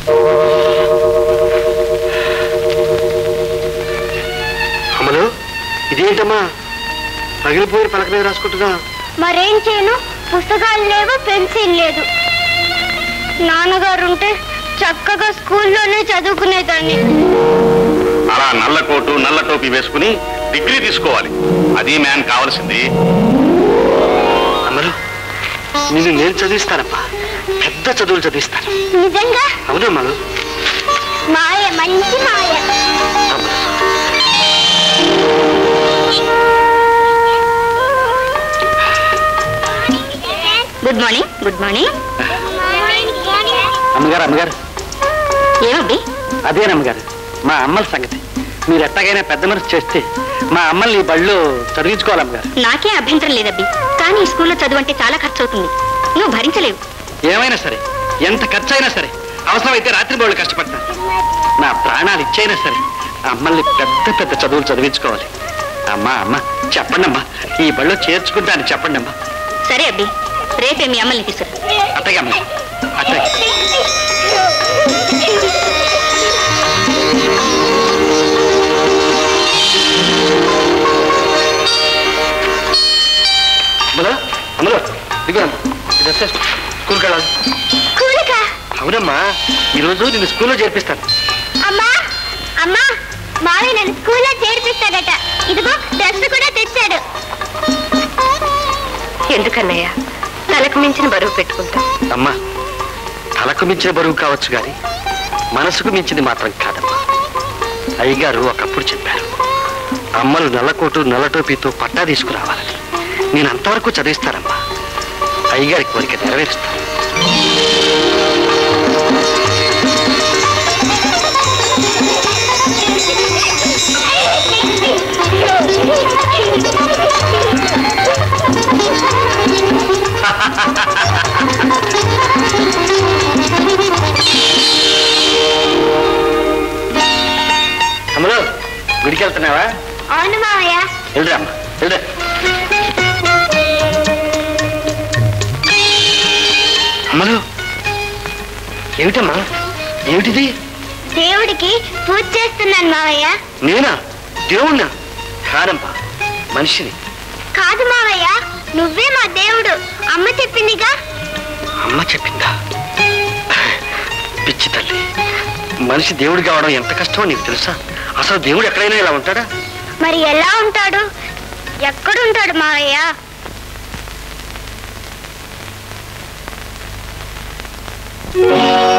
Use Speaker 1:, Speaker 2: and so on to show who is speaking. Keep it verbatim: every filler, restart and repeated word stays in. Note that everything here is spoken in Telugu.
Speaker 1: అమలు, ఇదేంటమ్మా పగిలిపోయిన పలక మీద రాసుకుంటున్నా?
Speaker 2: మరేం చేయను, పుస్తకాలు లేవు, పెన్సిల్ లేదు. నాన్నగారు ఉంటే చక్కగా స్కూల్లోనే చదువుకునేదాన్ని.
Speaker 3: అలా నల్ల కోటు నల్ల టోపీ వేసుకుని డిగ్రీ తీసుకోవాలి, అది మ్యాన్ కావాల్సింది.
Speaker 1: అమలు, నిన్ను నేను చదివిస్తానమ్మా, పెద్ద చదువులు చదివిస్తాను.
Speaker 2: నిజంగా?
Speaker 1: అవును అమలు.
Speaker 2: మాయ, మంచి మాయ. Good morning. Good morning.
Speaker 1: అమ్మగారు అమ్మగారు
Speaker 2: ఏమబ్బి?
Speaker 1: అదేనమ్మగారు మా అమ్మల సంగతి. మీరు ఎట్టగైనా పెద్ద మనసు చేస్తే మా అమ్మల్ని ఈ బడిలో చదివించుకోవాలమ్మగారు.
Speaker 2: నాకే అభ్యంతరం లేదబ్బి, కానీ ఈ స్కూల్లో చదువు అంటే చాలా ఖర్చు అవుతుంది, నువ్వు భరించలేవు.
Speaker 1: ఏమైనా సరే, ఎంత ఖర్చు అయినా సరే, అవసరమైతే రాత్రి బోళ్ళు కష్టపడతాను. నా ప్రాణాలు ఇచ్చైనా సరే అమ్మల్ని పెద్ద పెద్ద చదువులు చదివించుకోవాలి. అమ్మా అమ్మ చెప్పండి అమ్మా, ఈ బడిలో చేర్చుకుంటాను చెప్పండి అమ్మా.
Speaker 2: సరే అబ్బి, రేపే మీ అమ్మల్ని తీసుకురా.
Speaker 1: అట్టగా అమ్మ, అట్టగా. అమ్మలో అమ్మలో దిగు అమ్మ, స్కూల్కి వెళ్ళాలి. అవునమ్మా, ఈరోజు నిన్ను స్కూల్లో చేర్పిస్తాను.
Speaker 2: అమ్మా అమ్మా, మావి నన్ను స్కూల్లో చేర్పిస్తాడట. ఇదిగో డ్రెస్ కూడా తెచ్చాడు. ఎందుకన్నయ్య తలకు మించిన బరువు పెట్టుకుంటా?
Speaker 1: అమ్మా, తలకు మించిన బరువు కావచ్చు గాని మనసుకు మించింది మాత్రం కాదమ్మా. అయ్యగారు ఒకప్పుడు చెప్పారు, అమ్మలు నల్లకోటు నల్లటోపీతో పట్టా తీసుకురావాలని. నేను అంతవరకు చదివిస్తానమ్మా, అయ్యగారి కోరిక నెరవేరుస్తాను. అమ్మలో గుడికి వెళ్తున్నావా?
Speaker 2: అవును మావయ్య.
Speaker 1: వెళ్ళరా అమ్మా, వెళ్ళరా. అమ్మలు, ఏమిటమ్మా, ఏమిటిది?
Speaker 2: దేవుడికి పూజ చేస్తున్నాను మావయ్య.
Speaker 1: నేనా? దేవుణ్ణా? కాదమ్మా, మనిషిని.
Speaker 2: కాదు మావయ్య, నువ్వే మా దేవుడు. అమ్మ చెప్పిందిగా.
Speaker 1: అమ్మ చెప్పిందా? పిచ్చి తల్లి, మనిషి దేవుడు కావడం ఎంత కష్టమో నీకు తెలుసా? అసలు దేవుడు ఎక్కడైనా ఇలా ఉంటాడా?
Speaker 2: మరి ఎలా ఉంటాడు? ఎక్కడుంటాడు మావయ్య?
Speaker 1: Oh